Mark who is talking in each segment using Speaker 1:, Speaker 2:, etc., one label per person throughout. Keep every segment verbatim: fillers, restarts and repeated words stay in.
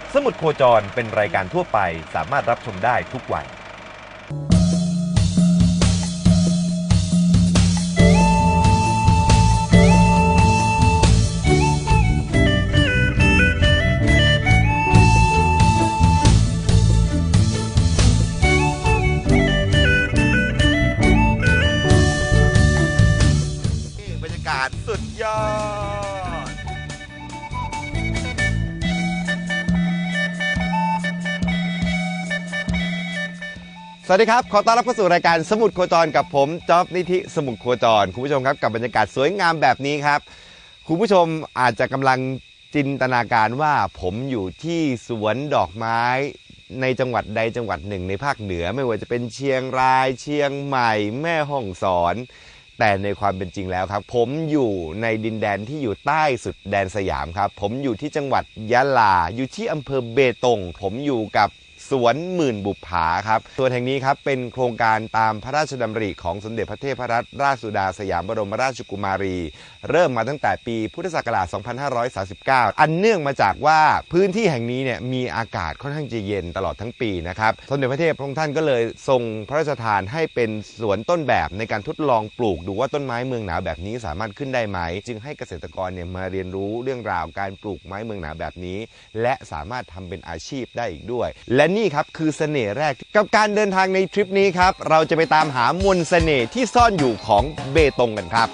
Speaker 1: สมุดโคจรเป็นรายการทั่วไปสามารถรับชมได้ทุกวัย
Speaker 2: บรรยากาศสุดยอดสวัสดีครับขอต้อนรับเข้าสู่รายการสมุดโคจรกับผมจ๊อบนิธิสมุดโคจรคุณผู้ชมครับกับบรรยากาศสวยงามแบบนี้ครับคุณผู้ชมอาจจะกำลังจินตนาการว่าผมอยู่ที่สวนดอกไม้ในจังหวัดใดจังหวัดหนึ่งในภาคเหนือไม่ว่าจะเป็นเชียงรายเชียงใหม่แม่ฮ่องสอนแต่ในความเป็นจริงแล้วครับผมอยู่ในดินแดนที่อยู่ใต้สุดแดนสยามครับผมอยู่ที่จังหวัดยะลาอยู่ที่อำเภอเบตงผมอยู่กับสวนหมื่นบุปผาครับสวนแห่งนี้ครับเป็นโครงการตามพระราชดำริของสมเด็จพระเทพรัตนราชสุดาสยามบรมราชกุมารีเริ่มมาตั้งแต่ปีพุทธศักราช สองพันห้าร้อยสามสิบเก้า อันเนื่องมาจากว่าพื้นที่แห่งนี้เนี่ยมีอากาศค่อนข้างจะเย็นตลอดทั้งปีนะครับสมเด็จพระเทพพระองค์ท่านก็เลยทรงพระราชทานให้เป็นสวนต้นแบบในการทดลองปลูกดูว่าต้นไม้เมืองหนาวแบบนี้สามารถขึ้นได้ไหมจึงให้เกษตรกรเนี่ยมาเรียนรู้เรื่องราวการปลูกไม้เมืองหนาวแบบนี้และสามารถทำเป็นอาชีพได้อีกด้วยและนี่ครับคือเสน่ห์แรกกับการเดินทางในทริปนี้ครับเราจะไปตามหามนต์เสน่ห์ที่ซ่อนอยู่ของเบตงกันครับ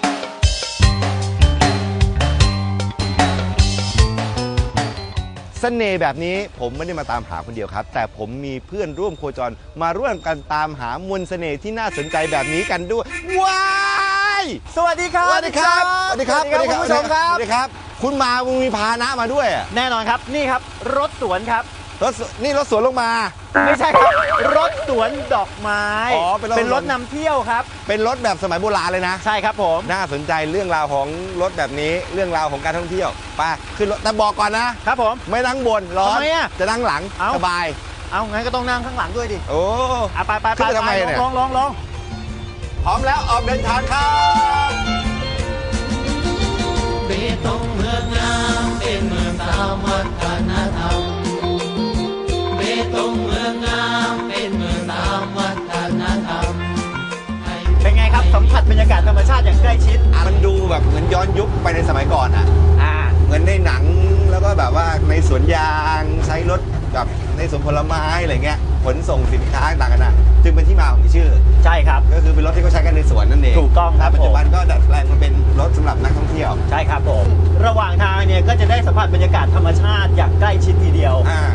Speaker 2: เสน่ห์แบบนี้ผมไม่ได้มาตามหาคนเดียวครับแต่ผมมีเพื่อนร่วมโคจรมาร่วมกันตามหามนต์เสน่ห์ที่น่าสนใจแบบนี้กันด้วยว้าย
Speaker 3: สวัสดีครับ
Speaker 2: สวัสดีครับสวัสดีครับ
Speaker 3: สวัสดีครับคุณผู้ชมครับ
Speaker 2: สวัสดีครับคุณมาคุณมีพาหนะมาด้วย
Speaker 3: แน่นอนครับนี่ครับรถสวนครับ
Speaker 2: รถนี่รถสวนลงมา
Speaker 3: ไม่ใช่ครับรถสวนดอกไม้
Speaker 2: อ๋อเป็นรถ
Speaker 3: เป็นรถนำเที่ยวครับ
Speaker 2: เป็นรถแบบสมัยโบราณเลยนะ
Speaker 3: ใช่ครับผม
Speaker 2: น่าสนใจเรื่องราวของรถแบบนี้เรื่องราวของการท่องเที่ยวไปขึ้นรถแต่บอกก่อนนะครับ
Speaker 3: ผม
Speaker 2: ไม่นั่งบนร้อนจะนั่งหลังสบาย
Speaker 3: เอางั้นก็ต้องนั่งข้างหลังด้วยดิ
Speaker 2: โอ้
Speaker 3: ไปไปไป
Speaker 2: ทำไมเนี่ย
Speaker 3: ลองลองลอง
Speaker 2: พร้อมแล้วออกเดินทางครับ
Speaker 4: เบตงเมืองงามเป็นเมืองตามวัฒนธรรมเบตงเมืองงามเป็นเมืองตามวัฒนธรรม
Speaker 3: เป็นไงครับสัมผัสบรรยากาศธรรมชาติอย่างใกล้ชิด
Speaker 2: มันดูแบบเหมือนย้อนยุคไปในสมัยก่อนอ่ะ
Speaker 3: อ่า
Speaker 2: เหมือนในหนังแล้วก็แบบว่าในสวนยางใช้รถกับในสวนผลไม้อะไรเงี้ยขนส่งสินค้าต่างกันนะจึงเป็นที่มาของชื่อ
Speaker 3: ใช่ครับ
Speaker 2: ก็คือเป็นรถที่เขาใช้กันในสวนนั่นเอง
Speaker 3: ถูกต้องครับ
Speaker 2: ปัจจุบันก็ดัดแปลงมาเป็นรถสำหรับนักท่องเที่ยว
Speaker 3: ใช่ครับผมระหว่างทางเนี่ยก็จะได้สัมผัสบรรยากาศธรรมชาติอย่างใกล้ชิดทีเดียว
Speaker 2: อ่า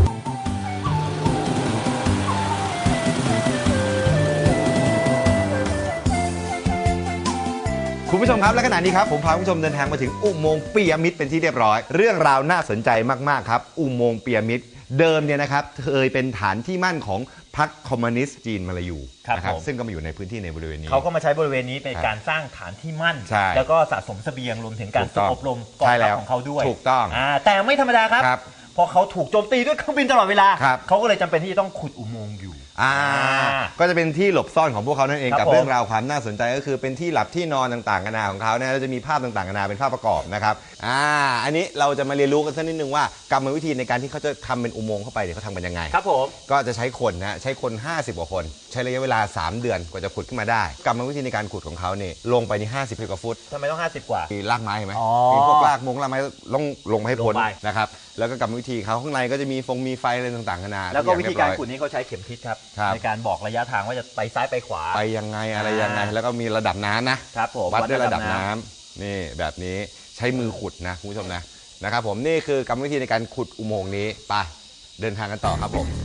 Speaker 2: คุณผู้ชมครับและขณะนี้ครับผมพาคุณผู้ชมเดินทางมาถึงอุโมงค์ปียมิตรเป็นที่เรียบร้อยเรื่องราวน่าสนใจมากๆครับอุโมงค์ปียมิตรเดิมเนี่ยนะครับเคยเป็นฐานที่มั่นของพรรคคอมมิวนิสต์จีนมาลายูนะครับซึ่งก็มาอยู่ในพื้นที่ในบริเวณนี้
Speaker 3: เขาก็มาใช้บริเวณนี้เป็นการสร้างฐานที่มั่นแล้วก็สะสมเสบียงรวมถึงการฝึกอบรมกองทัพของเขาด้วย
Speaker 2: ถูกต้อง
Speaker 3: แต่ไม่ธรรมดาครับพอเขาถูกโจมตีด้วยเครื่องบินตลอดเวลาเขาก็เลยจำเป็นที่จะต้องขุดอุโมงค์อยู่
Speaker 2: อ่าก็จะเป็นที่หลบซ่อนของพวกเขานั่นเองกับเรื่องราวความน่าสนใจก็คือเป็นที่หลับที่นอนต่างๆกันานาของเขาเนี่ยเราจะมีภาพต่างๆกันานาเป็นภาพประกอบนะครับอ่าอันนี้เราจะมาเรียนรู้กันสักนิดนึงว่ากรรมวิธีในการที่เขาจะทำเป็นอุโมงค์เข้าไปเนี่ยเขาทำกันยังไง
Speaker 3: ครับผม
Speaker 2: ก็จะใช้คนนะใช้คนห้าสิบกว่าคนใช้ระยะเวลาสามเดือนกว่าจะขุดขึ้นมาได้กรรมวิธีในการขุดของเขาเนี่ยลงไปที่ห้าสิบกว่าฟุต
Speaker 3: ทำไมต้องห้าสิบกว่า
Speaker 2: มีรากไม้เห็นไหมมีพวกรากมงรากไม้ลงลงให้พ้นนะครับแล้วก็กรรมวิธีเขาข้างในก็จะมีฟงมีไฟอะไรต่างๆกันานา
Speaker 3: แล้วก็วิธีการขุดนี้เขาใช้เข็มทิศครับในการบอกระยะทางว่าจะไปซ้ายไปขวา
Speaker 2: ไปยังไงอะไรยังไงแล้วก็มีระดับน้ำนะครับวัดด้วยระดับน้ำนี่แบบนี้ใช้มือขุดนะคุณผู้ชมนะนะครับผมนี่คือกรรมวิธีในการขุดอุโมงค์นี้ไปเดินทางกันต่อครับผม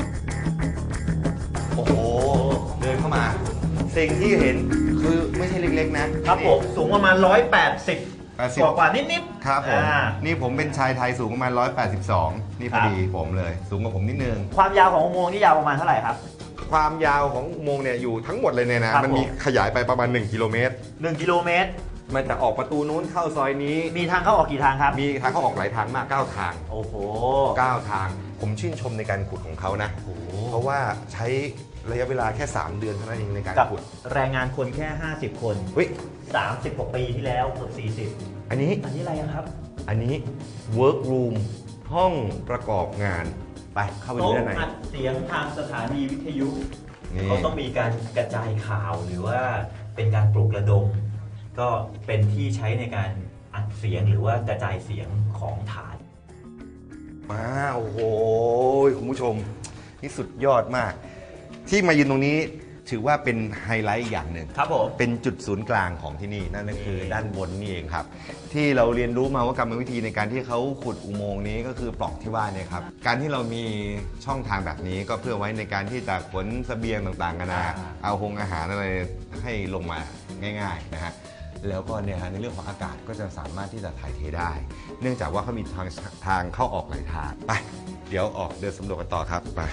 Speaker 2: โอ้โหเดินเข้ามาสิ่งที่เห็นคือไม่ใช่เล็กๆนะครับ
Speaker 3: ผมสูงประมาณหนึ่งร้อยแปดสิบกว่ากว่านิด
Speaker 2: ๆครับผมนี่ผมเป็นชายไทยสูงประมาณหนึ่งร้อยแปดสิบสองนี่พอดีผมเลยสูงกว่าผมนิดนึง
Speaker 3: ความยาวของอุโมงค์นี่ยาวประมาณเท่าไหร่ครับ
Speaker 2: ความยาวของอุโมงค์เนี่ยอยู่ทั้งหมดเลยเนี่ยนะมันมีขยายไปประมาณหนึ่งกิโลเมตร
Speaker 3: หนึ่งกิโลเมตร
Speaker 2: มันจะออกประตูนู้นเข้าซอยนี้
Speaker 3: มีทางเข้าออกกี่ทางครับ
Speaker 2: มีทางเข้าออกหลายทางมากเก้าทาง
Speaker 3: โอ้โห
Speaker 2: เก้าทางผมชื่นชมในการขุดของเขานะเพราะว่าใช้ระยะเวลาแค่สามเดือนเท่านั้นเองในการขุด
Speaker 3: แรงงานคนแค่ห้าสิบคน
Speaker 2: เฮ้ย
Speaker 3: สามสิบกว่าปีที่แล้วเกือบสี่สิบ
Speaker 2: อันนี้
Speaker 3: อันนี้อะไรครับ
Speaker 2: อันนี้ work room ห้องประกอบงานไปเข้าไปดู
Speaker 3: โต๊ะ
Speaker 2: ด้านใน
Speaker 3: อัดเสียงทางสถานีวิทยุ
Speaker 2: นี่
Speaker 3: เขาต้องมีการกระจายข่าวหรือว่าเป็นการปลุกระดม ก็เป็นที่ใช้ในการอัดเสียงหรือว่ากระจายเสียงของฐาน
Speaker 2: มาโอ้โหคุณผู้ชมนี่สุดยอดมาก ที่มายืนตรงนี้ถือว่าเป็นไฮไลท์อย่างหนึ่ง
Speaker 3: ครับผม
Speaker 2: เป็นจุดศูนย์กลางของที่นี่นั่นก็คือด้านบนนี่เองครับ ที่เราเรียนรู้มาว่ากรรมวิธีในการที่เขาขุดอุโมงค์นี้ก็คือปล่องที่ว่าเนี่ยครับการที่เรามีช่องทางแบบนี้ก็เพื่อไว้ในการที่จะขนเสบียงต่างๆกันานาเอาหงอาหารอะไรให้ลงมาง่ายๆนะฮะแล้วก็เนี่ยฮะในเรื่องของอากาศก็จะสามารถที่จะถ่ายเทได้ เนื่องจากว่าเขามีทางทางเข้าออกหลายทางไปเดี๋ยวออกเดินสำรวจกันต่อครับไป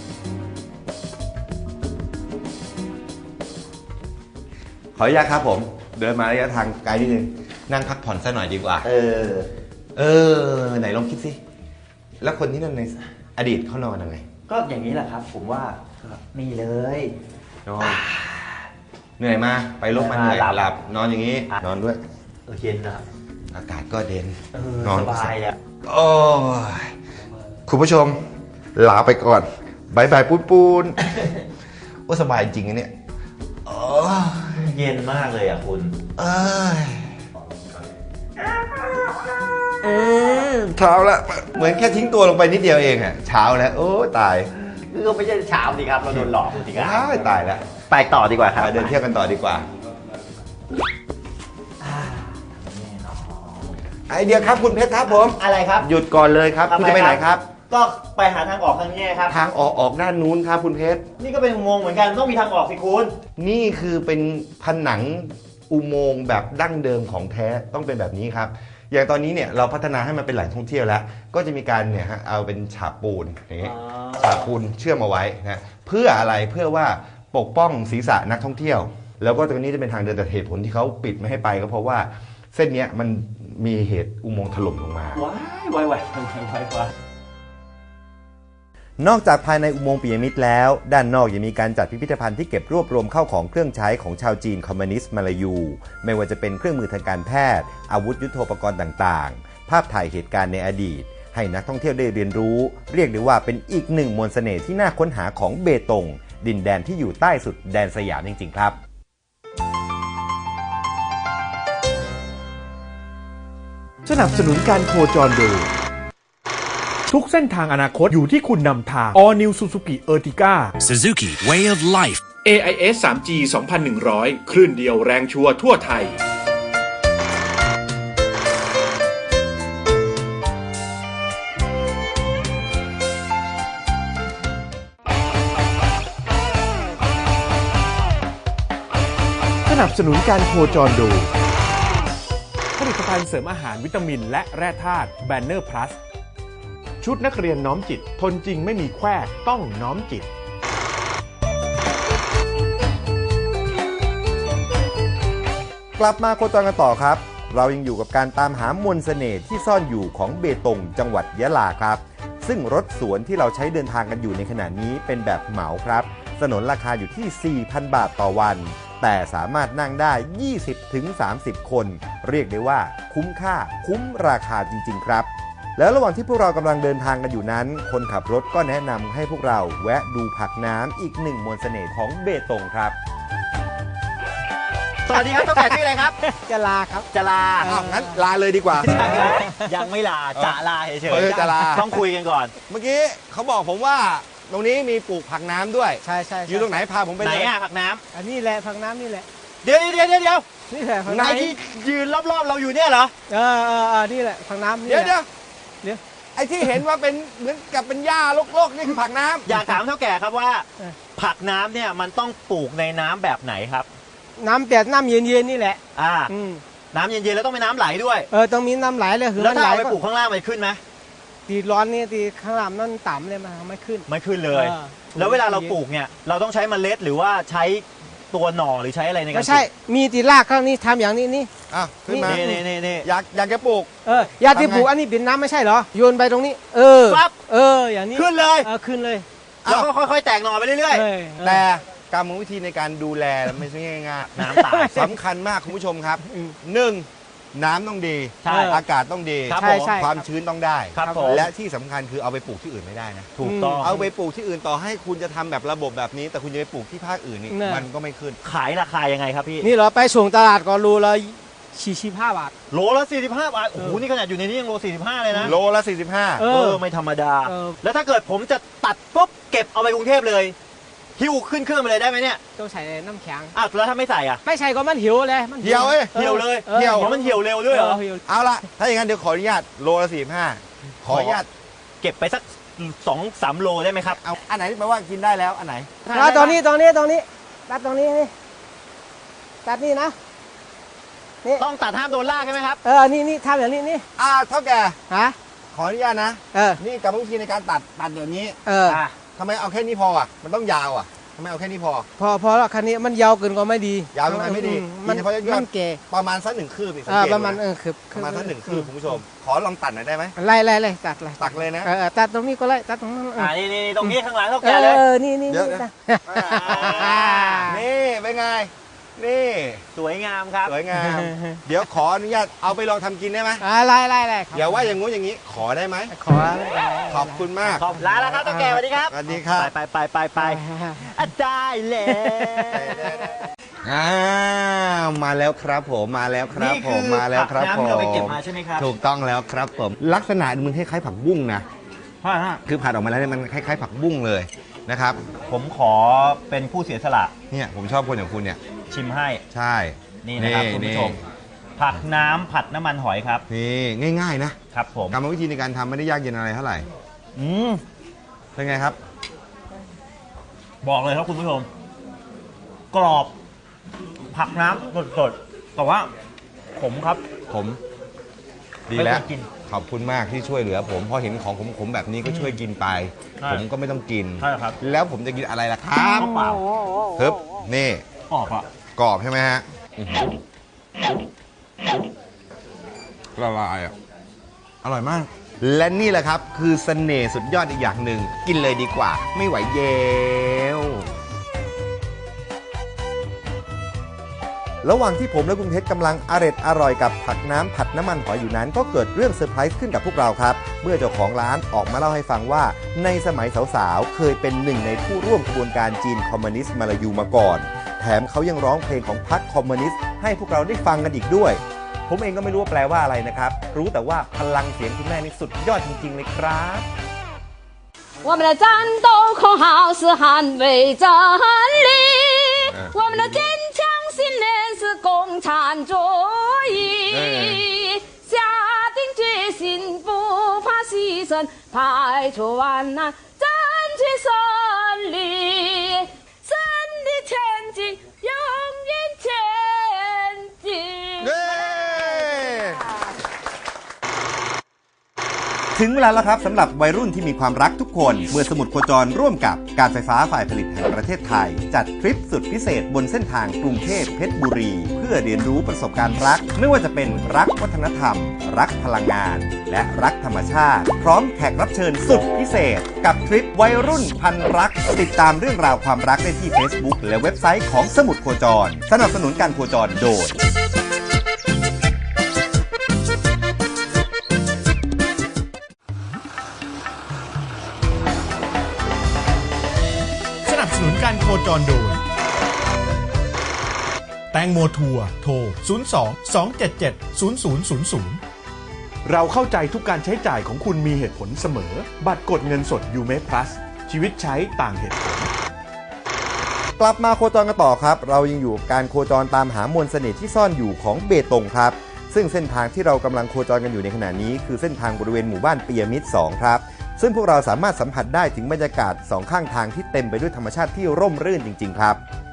Speaker 2: ขออนุญาตครับผมเดินมาระยะทางไกลนิดนึงนั่งพักผ่อนสักหน่อยดีกว่า
Speaker 3: เออ
Speaker 2: เออไหนลองคิดสิแล้วคนที่นั่นในอดีตเขานอนยังไง
Speaker 3: ก็อย่างนี้แหละครับ ผมว่าก็นี่เลย
Speaker 2: นอนเหนื่อยมาไปลบมาเหนื่อย
Speaker 3: หลับ
Speaker 2: หลับนอนอย่างนี้นอนด้วย
Speaker 3: เออเย็นนะครับ
Speaker 2: อากาศก็เด่น
Speaker 3: เออน
Speaker 2: อน
Speaker 3: สบายอ่ะ
Speaker 2: โอ้ยคุณผู้ชมลาไปก่อนบายบายปูนปูนโอ้สบายจริงๆนะเนี่ยโอ้ย
Speaker 3: เย็นมากเลยอ่ะคุณ
Speaker 2: เอ้ยอืมเช้าแล้วเหมือนแค่ทิ้งตัวลงไปนิดเดียวเองอะเช้าแล้วโอ้ตาย
Speaker 3: ก็ไม่ใช่เช้าสิครับเราโดนหลอกสิครับ
Speaker 2: ตายตายแล้ว
Speaker 3: ไปต่อดีกว่าครับ
Speaker 2: เดินเที่ยวกันต่อดีกว่า ไอเดียครับคุณเพชรครับผม
Speaker 3: อะไรครับ
Speaker 2: หยุดก่อนเลยครับ
Speaker 3: ทำไม
Speaker 2: คุณจะไปไหนครับ
Speaker 3: ก็ไปหาทางออกทางนี้ครับ
Speaker 2: ทางออกออกด้านนู้นครับคุณเพชร
Speaker 3: นี่ก็เป็นอุโมงค์เหมือนกันต้องมีทางออกสิคุณ
Speaker 2: นี่คือเป็นผนังอุโมงค์แบบดั้งเดิมของแท้ต้องเป็นแบบนี้ครับ อย่างตอนนี้เนี่ยเราพัฒนาให้มันเป็นแหล่งท่องเที่ยวแล้ว ก็จะมีการเนี่ยฮะเอาเป็นฉาบปูนอย่างนี้ฉาบปูนเชื่อมเอาไว้นะเพื่ออะไรเพื่อว่าปกป้องศีรษะนักท่องเที่ยว แล้วก็ตรงนี้จะเป็นทางเดินแต่เหตุผลที่เขาปิดไม่ให้ไปก็เพราะว่าเส้นเนี้ยมันมีเหตุอุโมงค์ถล่มลงมา
Speaker 3: ว้ายว้ายว้ายว้ายว้ายว้าย
Speaker 1: นอกจากภายในอุโมงค์ปิยมิตรแล้ว ด้านนอกยังมีการจัดพิพิธภัณฑ์ที่เก็บรวบรวมเข้าของเครื่องใช้ของชาวจีนคอมมิวนิสต์มาลายูไม่ว่าจะเป็นเครื่องมือทางการแพทย์อาวุธยุทโธปกรณ์ต่างๆ ภาพถ่ายเหตุการณ์ในอดีต ให้นักท่องเที่ยวได้เรียนรู้ เรียกได้ว่าเป็นอีกหนึ่งมนต์เสน่ห์ที่น่าค้นหาของเบตงดินแดนที่อยู่ใต้สุดแดนสยามจริงๆครับ
Speaker 5: สนับสนุนการโคจรโดยทุกเส้นทางอนาคตอยู่ที่คุณนำทาง All New Suzuki Ertiga
Speaker 6: Suzuki Way of Life
Speaker 5: เอ ไอ เอส ทรีจี สองพันหนึ่งร้อย คลื่นเดียวแรงชัวร์ทั่วไทยสนับสนุนการโคจรโดยผลิตภัณฑ์เสริมอาหารวิตามินและแร่ธาตุแบนเนอร์พลัสชุดนักเรียนน้อมจิตทนจริงไม่มีแควต้องน้อมจิต
Speaker 1: กลับมาโคจรกันต่อครับเรายังอยู่กับการตามหามนต์เสน่ห์ที่ซ่อนอยู่ของเบตงจังหวัดยะลาครับซึ่งรถสวนที่เราใช้เดินทางกันอยู่ในขณะนี้เป็นแบบเหมาครับสนนราคาอยู่ที่ สี่พัน บาทต่อวันแต่สามารถนั่งได้ ยี่สิบถึงสามสิบ คนเรียกได้ว่าคุ้มค่าคุ้มราคาจริงๆครับแล้วระหว่างที่พวกเรากำลังเดินทางกันอยู่นั้นคนขับรถก็แนะนำให้พวกเราแวะดูผักน้ำอีกหนึ่งมนต์เสน่ห์ของเบตงครับ
Speaker 3: สวัสดีครับต้องแก่ชื่ออะไรครับ
Speaker 7: จะลาครับ
Speaker 3: จะลา
Speaker 2: อ้าวงั้นลาเลยดีกว่า
Speaker 3: ยังไม่ลาจะลาเฉย
Speaker 2: เออจะลา
Speaker 3: ต้องคุยกันก่อน
Speaker 2: เมื่อกี้เขาบอกผมว่าตรงนี้มีปลูกผักน้ำด้วย
Speaker 7: ใช่ใช่
Speaker 2: อยู่ตรงไหนพาผมไป
Speaker 3: ไหน
Speaker 2: เลย
Speaker 3: อ่ะผักน้ำ
Speaker 7: อันนี้แหละผักน้ำนี่แหละ
Speaker 3: เดี๋ยวเดี๋ยวเดี๋ยวเดี๋ยว
Speaker 7: นี่แหละผัก
Speaker 3: ไหน
Speaker 7: น้ำ
Speaker 3: ที่ยืนรอบๆเราอยู่เนี่ยเหรอ
Speaker 7: เออเออเออนี่แหละผักน้ำนี่
Speaker 2: เดี๋ยว
Speaker 7: แห
Speaker 2: เดี๋ย
Speaker 7: ละ
Speaker 2: ว
Speaker 7: เดี๋ยว
Speaker 2: ไอ้ที่เห็นว่าเป็นเหมือนกับเป็นหญ้าโลกๆนี่คือผักน้ำ
Speaker 3: อยากถามเท่าแก่ครับว่า ผักน้ำเนี่ยมันต้องปลูกในน้ำแบบไหนครับ
Speaker 7: น้ำเปียกน้ำเย็นเย็นๆนี่แหละ
Speaker 3: อ่า
Speaker 7: อืม
Speaker 3: น้ำเย็นๆแล้วต้องเป็นน้ำไหลด้วย
Speaker 7: เออต้องมีน้ำไหลเลยคือ
Speaker 3: แล้ว
Speaker 7: มัน
Speaker 3: ถ้า
Speaker 7: ไหล
Speaker 3: เอาไป
Speaker 7: ก็
Speaker 3: ปลูกข้างล่างมันขึ้นไหม
Speaker 7: ตีร้อนนี่ตีข้างล่างนั่นต่ำเลยมันไม่ขึ้น
Speaker 3: ไม่ขึ้นเลย
Speaker 7: ออ
Speaker 3: แล้วเวลาเราปลูกเนี่ยเราต้องใช้เมล็ดหรือว่าใช้ตัวหน่อหรือใช้อะไรในการป
Speaker 7: ไม่
Speaker 3: ลูก
Speaker 7: ใช่มีตีรากข้างนี้ทำอย่างนี้นี่
Speaker 2: อ่ะขึ้นมา
Speaker 3: นี่นี่นี่นี่
Speaker 2: อยากอยากจะปลูก
Speaker 7: เอออยาที่
Speaker 2: ทำไง
Speaker 7: ปลูกอันนี้เป็นน้ำไม่ใช่เหรอโยนไปตรงนี้ เออ
Speaker 3: ปั๊บ
Speaker 7: เอออย่างนี้
Speaker 3: ขึ้นเลย
Speaker 7: เออขึ้นเลย
Speaker 3: แล้วก็ค่อยๆ แตกหน่อไปเรื่อย
Speaker 7: เออเออ
Speaker 2: แต่กรรมวิธีในการดูแลไม่ใช่ง่าย
Speaker 3: ๆ น้ำตาย
Speaker 2: ๆสำคัญมากคุณผู้ชมครับหนึ่งน้ำต้องดี
Speaker 3: ใช่
Speaker 2: อากาศต้องดี
Speaker 3: ครับ
Speaker 7: ใช่
Speaker 3: ผม
Speaker 7: ใช่
Speaker 2: ความชื้นต้องได้
Speaker 3: ครับผม
Speaker 2: และที่สำคัญคือเอาไปปลูกที่อื่นไม่ได้นะ
Speaker 3: ถูกต้อง
Speaker 2: เอาไปปลูกที่อื่นต่อให้คุณจะทำแบบระบบแบบนี้ แต่คุณจะไปปลูกที่ภาคอื่นนี่
Speaker 7: เนี่ย
Speaker 2: มันก็ไม่ขึ้น
Speaker 3: ขายราคายังไงครับพี่
Speaker 7: นี่เราไปส่งตลาดก็รูละสี่สิบห้าบาท
Speaker 3: โลละสี่สิบห้าบาทโอ้โหนี่ขนาดอยู่ในนี้ยังโลสี่สิบห้าเลยนะ
Speaker 2: โลละสี่สิบห้า
Speaker 7: เอ
Speaker 3: เอ
Speaker 7: อ
Speaker 3: อไม่ธรรมดา
Speaker 7: เออ
Speaker 3: แล้วถ้าเกิดผมจะตัดปุ๊บเก็บเอาไปกรุงเทพเลยหิ้วขึ้นเครื่องไปเลยได้ไหมเนี่ย
Speaker 7: ต้องใส่น้ำแข็ง
Speaker 3: อ่ะแล้วถ้าไม่ใส่อ่ะ
Speaker 7: ไม่ใช่ก็มันหิวเลยมัน
Speaker 2: เหี่ยวเอ้ย
Speaker 3: เหี่ยวเลย
Speaker 7: ออ
Speaker 2: เหี่ยว
Speaker 3: เพราะมันเหี่ยวเร็วด้วยเหรอ
Speaker 7: เหี่ยว
Speaker 2: เอาละถ้าอย่างนั้นเดี๋ยวขออนุญาตโลละสี่สิบห้าขออนุญาต
Speaker 3: เก็บไปสักสองสามโลได้ไหมครับ
Speaker 2: เอาอันไหนแปลว่ากินได้แล้วอันไหน
Speaker 7: ตัดตรงนี้ตรงนี้ตรงนี้ตัดตรงนี้นี่ตัดนี่นะนี่
Speaker 3: ต้องตัดห้ามโดนลากใช่ไหมครับ
Speaker 7: เออนี่นี่ทำอย่างนี้นี่
Speaker 2: อ่าเท่าแก่
Speaker 7: ฮะ
Speaker 2: ขออนุญาตนะ
Speaker 7: เออ
Speaker 2: นี่กรรมวิธีในการตัดตัดอย่างนี้
Speaker 7: เออ
Speaker 3: อ่ะ
Speaker 2: ทำไมเอาแค่นี้พออ่ะมันต้องยาวอ่ะทำไมเอาแค่นี้พอ
Speaker 7: พอพอแล้วคันนี้มันยาวเกินก็ไม่ดี
Speaker 2: ยาวเกินไปไม่ดี
Speaker 7: อืมัน
Speaker 2: กินเฉพาะยอด
Speaker 7: มันแก่
Speaker 2: ประมาณสักหนึ่งคืบอีกสัง
Speaker 7: อ่า
Speaker 2: เกต
Speaker 7: ประมาณ
Speaker 2: ดู
Speaker 7: เอ
Speaker 2: นะ
Speaker 7: อคือ
Speaker 2: ประมาณสักหนึ่งคืบคุณผู้ชม ขอลองตัดหน่อยได้ไหม
Speaker 7: ไล่ไล่ไล่ตัดเลย
Speaker 2: ตัดเลยนะ
Speaker 7: เออเออตัดตรงนี้ก็ไล่ตัดตรงนั้นเอ
Speaker 3: อ่า
Speaker 7: อ
Speaker 3: นี่นี่ตรงนี้ข้างหลังเท่า
Speaker 7: เอ
Speaker 3: แก่เลย
Speaker 7: อนี่นี่
Speaker 2: เดี๋ยว
Speaker 7: นี่
Speaker 2: นะ
Speaker 3: อ่า
Speaker 2: นี่เป็นไง นี่
Speaker 3: สวยงามครับ
Speaker 2: สวยงาม เดี๋ยวขออนุญาตเอาไปลองทำกินได้ไหม
Speaker 7: อ่าไล่ไล่ไล่ครับ
Speaker 2: อย่าว่าอย่างงู้นอย่างนี้ ขอได้ไหม
Speaker 7: ขอ
Speaker 2: ขอบคุณมาก
Speaker 3: ขอบลาแล้วครับเท่าแก่สวัสดีครับ
Speaker 2: สวัสดีครับ
Speaker 3: ไปไปไปไปไปอ่ะได้แล้ว
Speaker 2: อ้าวมาแล้วครับผมมาแล้วครับผมมาแล้วครับ
Speaker 3: นี่
Speaker 2: ผ
Speaker 3: คือผักน้ำที่เราไปเก็บ
Speaker 2: ม
Speaker 3: มาใช่ไหมครับ
Speaker 2: ถูกต้องแล้วครับผมลักษณะมันคล้ายๆผักบุ้งนะ
Speaker 3: ใช่ฮะ
Speaker 2: คือผัดออกมาแล้วเนี่ยมันคล้ายๆ ผักบุ้งเลยนะครับ
Speaker 3: ผมขอเป็นผู้เสียสละ
Speaker 2: เนี่ยผมชอบคนอย่างคุณเนี่ย
Speaker 3: ชิมให้
Speaker 2: ใช่
Speaker 3: นี่นะครับคุณผู้ชม ผักน้ำผัดน้ำมันหอยครับ
Speaker 2: นี่ง่ายๆนะครับ
Speaker 3: ผม
Speaker 2: กรรมวิธีในการทำไม่ได้ยากเย็นอะไรเท่าไหร่
Speaker 3: อืม
Speaker 2: เป็นไงครับ
Speaker 3: บอกเลยครับคุณผู้ชม กรอบผักน้ำสดๆแต่ว่าขมครับ
Speaker 2: ผมดีแล้ว
Speaker 3: ไม่ต้องกิน
Speaker 2: ขอบคุณมากที่ช่วยเหลือผมพอเห็นของขมๆแบบนี้ก็ช่วยกินไป
Speaker 3: ใช่
Speaker 2: ผมก็ไม่ต้องกิน
Speaker 3: ใช่ครับ
Speaker 2: แล้วผมจะกินอะไรล่ะครับ
Speaker 3: เปล่า
Speaker 2: ฮึบนี่
Speaker 3: กรอบอ่ะ
Speaker 2: กรอบใช่ไหมฮะอื้อหือละลายอ่ะอร่อยมาก และนี่แหละครับคือเสน่ห์สุดยอดอีกอย่างหนึ่งกินเลยดีกว่า ไม่ไหวเยว
Speaker 1: ระหว่างที่ผมและคุณเพชรกำลังอร็ดอร่อยกับผักน้ำผัดน้ำมันหอยอยู่นั้นก็เกิดเรื่องเซอร์ไพรส์ขึ้นกับพวกเราครับ เมื่อเจ้าของร้านออกมาเล่าให้ฟังว่าในสมัยสาวๆ เคยเป็นหนึ่งในผู้ร่วมขบวนการจีนคอมมิวนิสต์มาลายูมาก่อน แถมเขายังร้องเพลงของพรรคคอมมิวนิสต์ให้พวกเราได้ฟังกันอีกด้วย ผมเองก็ไม่รู้ว่าแปลว่าอะไรนะครับ รู้แต่ว่าพลังเสียงคุณแม่นี่สุดยอดจริงๆเลยครับ
Speaker 8: 我们的战斗口号是捍卫真理，我们的坚强信念是共产主义，下定决心不怕牺牲，排除万难争取胜利，胜利前进，永远前进。
Speaker 1: ถึงเวลาแล้วครับสำหรับวัยรุ่นที่มีความรักทุกคน เมื่อสมุดโคจรร่วมกับการไฟฟ้าฝ่ายผลิตแห่งประเทศไทย จัดทริปสุดพิเศษบนเส้นทางกรุงเทพเพชรบุรี เพื่อเรียนรู้ประสบการณ์รัก ไม่ว่าจะเป็นรักวัฒนธรรม รักพลังงาน และรักธรรมชาติ พร้อมแขกรับเชิญสุดพิเศษ กับทริปวัยรุ่นพันรัก ติดตามเรื่องราวความรักได้ที่ Facebook และเว็บไซต์ของสมุดโคจร สนับสนุนการโคจรโดย
Speaker 5: สนับสนุนการโคจรโดยแตงโมทัวร์โทร ศูนย์ สอง สอง เจ็ด เจ็ด ศูนย์ ศูนย์ ศูนย์ ศูนย์ เราเข้าใจทุกการใช้จ่ายของคุณมีเหตุผลเสมอ บัตรกดเงินสดยูเม Plus ชีวิตใช้ต่างเหตุผล
Speaker 1: กลับมาโคจรกันต่อครับ เรายังอยู่กับการโคจรตามหามวลเสน่ห์ที่ซ่อนอยู่ของเบตงครับ ซึ่งเส้นทางที่เรากำลังโคจรกันอยู่ในขณะนี้คือเส้นทางบริเวณหมู่บ้านปียมิตรสองครับ ซึ่งพวกเราสามารถสัมผัสได้ถึงบรรยากาศสองข้างทางที่เต็มไปด้วยธรรมชาติที่ร่มรื่นจริงๆครับ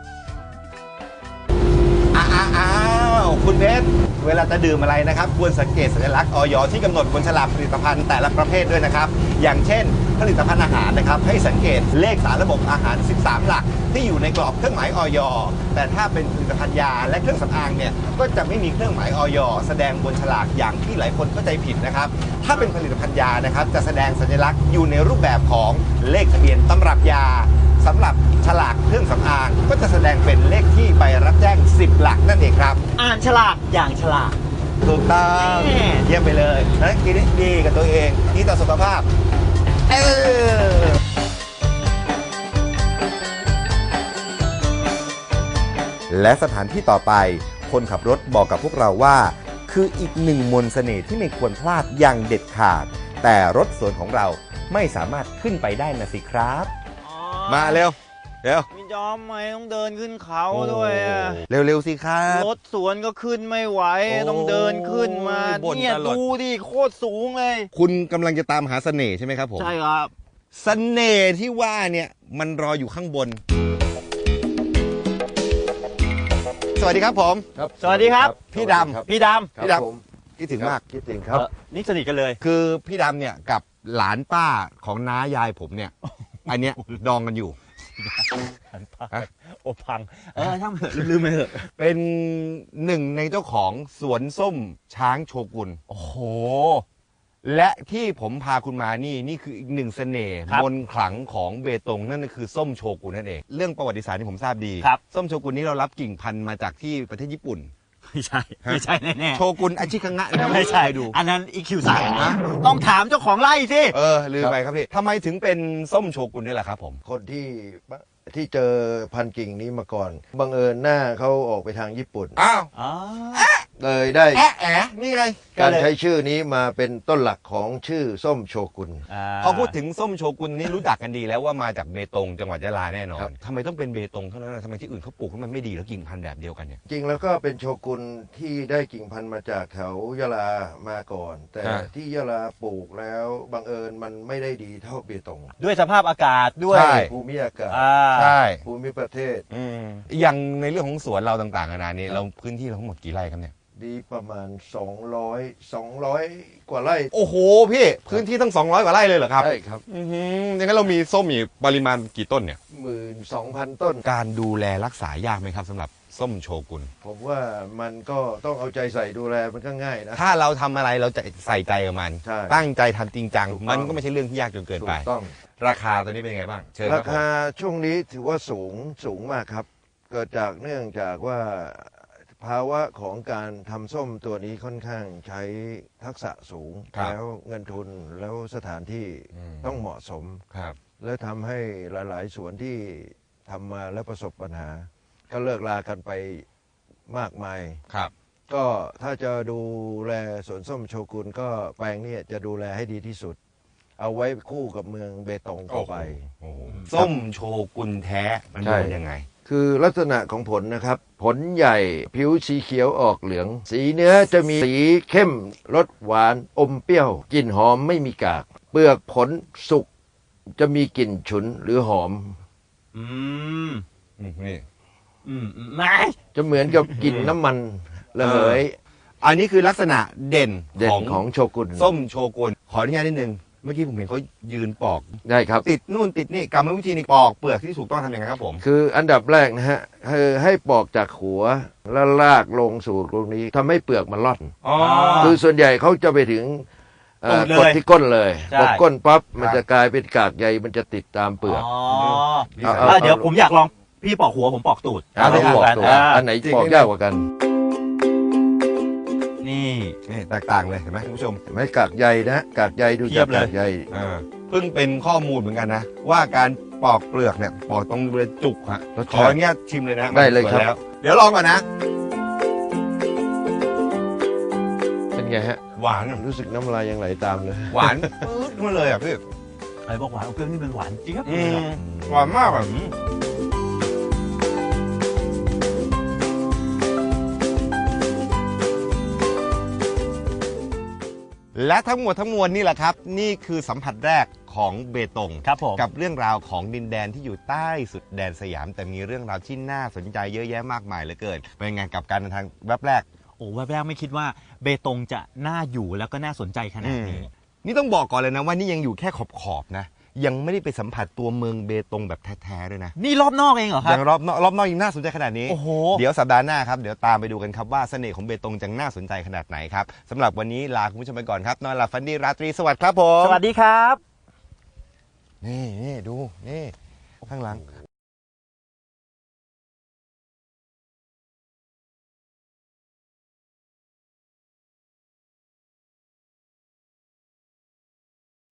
Speaker 2: อ้าวคุณเพชรเวลาจะดื่มอะไรนะครับควรสังเกตสัญลักษณ์อย.ที่กำหนดบนฉลากผลิตภัณฑ์แต่ละประเภทด้วยนะครับอย่างเช่น ผลิตภัณฑ์อาหารนะครับให้สังเกตเลขสารระบบอาหาร สิบสาม หลักที่อยู่ในกรอบเครื่องหมายอย.แต่ถ้าเป็นผลิตภัณฑ์ยาและเครื่องสำอางเนี่ยก็จะไม่มีเครื่องหมายอย.แสดงบนฉลากอย่างที่หลายคนเข้าใจผิดนะครับถ้าเป็นผลิตภัณฑ์ยานะครับจะแสดงสัญลักษณ์อยู่ในรูปแบบของเลขทะเบียนตำรับยาสำหรับฉลากเครื่องสำอางก็จะแสดงเป็นเลขที่ใบรับแจ้งสิบหลักนั่นเองครับ
Speaker 3: อ่านฉลากอย่างฉลาด
Speaker 2: ถูกต้องเยี่ยมไปเลยนะกินให้ดีกับตัวเองดีต่อสุขภาพเออ
Speaker 1: และสถานที่ต่อไปคนขับรถบอกกับพวกเราว่า คืออีกหนึ่งมนต์เสน่ห์ที่ไม่ควรพลาดอย่างเด็ดขาด แต่รถสวนของเราไม่สามารถขึ้นไปได้นะสิครับ
Speaker 2: มาเร็วเร็ว
Speaker 9: พี่จอมไม่ต้องเดินขึ้นเขาด้วยอะ
Speaker 2: เร็วๆสิครับ
Speaker 9: รถสวนก็ขึ้นไม่ไหว
Speaker 2: โอ้
Speaker 9: ต้องเดินขึ้นมา
Speaker 2: บ่น
Speaker 9: เนี่ย
Speaker 2: ตลอด
Speaker 9: ดูดิโคตรสูงเลย
Speaker 2: คุณกำลังจะตามหาเสน่ห์ใช่ไหมครับผม
Speaker 9: ใช่ครับ
Speaker 2: เสน่ห์ที่ว่าเนี่ยมันรออยู่ข้างบน สวัสดีครับผม
Speaker 9: สวัสดีครับ
Speaker 2: พี่ดำ
Speaker 9: พี่ด
Speaker 2: พี่ดำคิดถึงมาก
Speaker 10: คิดถึง
Speaker 9: ำ
Speaker 10: ครับ
Speaker 9: เอ่อนี่สนิทกันเลย
Speaker 2: คือพี่ดำเนี่ยกับหลานป้าของน้ายายผมเนี่ย อันเนี้ยดองกันอยู่
Speaker 9: หันพัง
Speaker 2: ฮะ
Speaker 9: โอพัง เออช่างเถอะลืมๆไปเถอะ
Speaker 2: เป็นหนึ่งในเจ้าของสวนส้มช้างโชกุน
Speaker 9: โอ้โห
Speaker 2: และที่ผมพาคุณมานี่นี่คืออีกหนึ่งเสน่ห์
Speaker 9: ครับ
Speaker 2: มนต์ขลังของเบตงนั่นก็คือส้มโชกุนนั่นเองเรื่องประวัติศาสตร์ที่ผมทราบดี
Speaker 9: ครับ
Speaker 2: ส้มโชกุนนี้เรารับกิ่งพันธุ์มาจากที่ประเทศญี่ปุ่น
Speaker 9: ไม่ใช่ ไม่ใช่แน่
Speaker 2: โชกุนอาชิคังะนะ
Speaker 9: ๆไม่ใช่
Speaker 2: ดู
Speaker 9: อันนั้นอีคิวสั่ง
Speaker 2: ฮะ
Speaker 9: ต้องถามเจ้าของไร่สิ
Speaker 2: เออลืมไปครับพี่ทำไมถึงเป็นส้มโชกุนนี่แหละครับผม
Speaker 10: คนที่ที่เจอพันธุ์กิ่งนี้มาก่อนบังเอิญหน้าเขาออกไปทางญี่ปุ่น
Speaker 2: อ้าว
Speaker 9: อ๋อ
Speaker 10: เลยได้
Speaker 2: แอะแอะนี่ไง
Speaker 10: การใช้ชื่อนี้มาเป็นต้นหลักของชื่อส้มโชกุน
Speaker 2: พอพูดถึงส้มโชกุนนี่รู้จักกันดีแล้วว่ามาจากเบตงจังหวัดยะลาแน่นอ
Speaker 10: ครั
Speaker 2: น
Speaker 10: บ
Speaker 2: ทำไมต้องเป็นเบตงเท่านั้นนะทำไมที่อื่นเขาปลูกแล้วมันไม่ดีแล้วกิ่งพันธุ์แบบเดียวกันเนี่ย
Speaker 10: จริงแล้วก็เป็นโชกุนที่ได้กิ่งพันธุ์มาจากแถวยะลามาก่อน แต่
Speaker 2: ฮะ
Speaker 10: ที่ยะลาปลูกแล้วบังเอิญมันไม่ได้ดีเท่าเบตง
Speaker 9: ด้วยสภาพอากาศด้วย
Speaker 2: ใช่
Speaker 10: ภูมิอากาศ
Speaker 9: อ่า
Speaker 2: ใช่
Speaker 10: ภูมิประเทศ
Speaker 2: อืมอย่างในเรื่องของสวนเราต่างๆนานานี้เราพื้นที่เราทั้งหมดกี่ไร่ครับเนี่ย
Speaker 10: ดีประมาณ สองร้อย สองร้อย กว่าไร่
Speaker 2: โอ้โหพี่พื้นที่ตั้งสองร้อยกว่าไร่เลยเหรอครับ
Speaker 10: ใช่ครับ
Speaker 2: อือหืออย่างนั้นเรามีส้มอีกปริมาณกี่ต้นเนี่ย
Speaker 10: หมื่นสองพันต้น
Speaker 2: การดูแลรักษายากไหมครับสำหรับส้มโชกุน
Speaker 10: ผมว่ามันก็ต้องเอาใจใส่ดูแลมันก็ง่ายนะ
Speaker 2: ถ้าเราทำอะไรเราจะใส่ใจกับมัน
Speaker 10: ใช่
Speaker 2: ตั้งใจทำจริงจัง
Speaker 10: ถูกต้อง
Speaker 2: มันก็ไม่ใช่เรื่องที่ยากจนเกิน
Speaker 10: ถู
Speaker 2: ไป
Speaker 10: กต้อง
Speaker 2: ราคาตัวนี้เป็นยังไงบ้างเชิญ
Speaker 10: รา
Speaker 2: บผม
Speaker 10: คาช่วงนี้ถือว่าสูงสูงมากครับ เกิดจากเนื่องจากว่าภาวะของการทำส้มตัวนี้ค่อนข้างใช้ทักษะสูง แล้วเงินทุนแล้วสถานที่ต้องเหมาะสม
Speaker 2: ครับ
Speaker 10: และทำให้หลาย ๆ สวนที่ทำมาแล้วประสบปัญหา ก็เลิกลากันไปมากมาย
Speaker 2: ครับ
Speaker 10: ก็ถ้าจะดูแลสวนส้มโชกุนก็แปลงเนี้จะดูแลให้ดีที่สุด เอาไว้คู่กับเมืองเบตงต่อไป
Speaker 2: โอ้โหส้มโชกุนแท้มัน
Speaker 10: ใช่
Speaker 2: เป็นยังไง
Speaker 10: คือลักษณะของผลนะครับ ผลใหญ่ผิวสีเขียวออกเหลือง สีเนื้อจะมีสีเข้มรสหวานอมเปรี้ยวกลิ่นหอมไม่มีกาก เปลือกผลสุกจะมีกลิ่นฉุนหรือหอม
Speaker 9: อืม
Speaker 2: นี่
Speaker 9: อืมอืมไม่
Speaker 10: จะเหมือนกับกลิ่นน้ำมันระเหย
Speaker 2: อันนี้คือลักษณะเด่น
Speaker 10: เด่น
Speaker 2: ของ
Speaker 10: ของโชกุน
Speaker 2: ส้มโชกุนขออนุญาตนิดนึงเมื่อกี้ผมเห็นเขายืนปอก
Speaker 10: ได้ครับ
Speaker 2: ติดนู่นติดนี่กรรมวิธีในปอกเปลือกที่ถูกต้องทำยังไงครับผม
Speaker 10: คืออันดับแรกนะฮะคือให้ปอกจากหัวแล้วลากลงสู่ตรงนี้ทำให้เปลือกมันร่อน
Speaker 2: อ๋อ
Speaker 10: คือส่วนใหญ่เขาจะไปถึงเอ่อ
Speaker 9: ตูดเลย
Speaker 10: กดที่ก้นเลย
Speaker 9: ใช่
Speaker 10: กดก้นปั๊บมัน
Speaker 2: ครับ
Speaker 10: จะกลายเป็นกากใยมันจะติดตามเปลือก
Speaker 9: อ๋อ
Speaker 10: เอา
Speaker 9: เออเดี๋ยวผมอยากลองพี่ปอกหัวผมปอกตูด
Speaker 10: เอาไปปอกตัว
Speaker 9: อ่า
Speaker 10: อันไหนปอกยากกว่ากัน
Speaker 9: นี่
Speaker 2: นี่แตกต่างเลยเห็นไหมคุณผู้ชม
Speaker 10: เห็นไหมกากใยนะกากใยดู
Speaker 9: เที
Speaker 10: จาย ก
Speaker 9: บเลย
Speaker 10: กากใย
Speaker 2: อ่าเพิ่งเป็นข้อมูลเหมือนกันนะ ว่าการปอกเปลือกเนี่ยปอกตรงบริเวณจุกฮะ
Speaker 10: รส
Speaker 2: ข
Speaker 10: ชา
Speaker 2: อ
Speaker 10: ติ
Speaker 2: อนุญาตชิมเลยนะ
Speaker 10: ได้เลยครับ
Speaker 2: มันสวแล้วเดี๋ยวลองก่อนนะ
Speaker 10: เป็นไงฮะ
Speaker 2: หวาน
Speaker 10: รู้สึกน้ำลายยังไหลตามเลย
Speaker 2: หวานปื๊ดมาเลยอ่ะพี่
Speaker 9: ไอ้บอกหวานเอาเปรี้ยวนี่เป็นหวานจริงครับ
Speaker 2: อืมหวานมากอ่ะและทั้งหมดทั้งมวลนี่แหละครับ นี่คือสัมผัสแรกของเบตง
Speaker 9: ครับผม
Speaker 2: กับเรื่องราวของดินแดนที่อยู่ใต้สุดแดนสยาม แต่มีเรื่องราวที่น่าสนใจเยอะแยะมากมายเหลือเกินเป็นไงกับการเดินทางแวบแรก
Speaker 9: โอ้แวบแรกไม่คิดว่าเบตงจะน่าอยู่แล้วก็น่าสนใจขนาดนี้
Speaker 2: นี่ต้องบอกก่อนเลยนะว่านี่ยังอยู่แค่ขอบขอบๆนะ ยังไม่ได้ไปสัมผัสตัวเมืองเบตงแบบแท้ๆด้วยนะ
Speaker 9: นี่รอบนอกเองเหรอครั
Speaker 2: ยังรอบนอกรอบนอกยังน่าสนใจขนาดนี้
Speaker 9: โอ้โห
Speaker 2: เดี๋ยวสัปดาห์หน้าครับเดี๋ยวตามไปดูกันครับว่าเสน่ห์ของเบตงจะน่าสนใจขนาดไหนครับสำหรับวันนี้ลาคุณผู้ชมไปก่อนครับนอนหลับฝันดีราตรีสวัสดิ์ครับผม
Speaker 9: สวัสดีครับ
Speaker 2: นี่นี่ดูนี่ข้างหลัง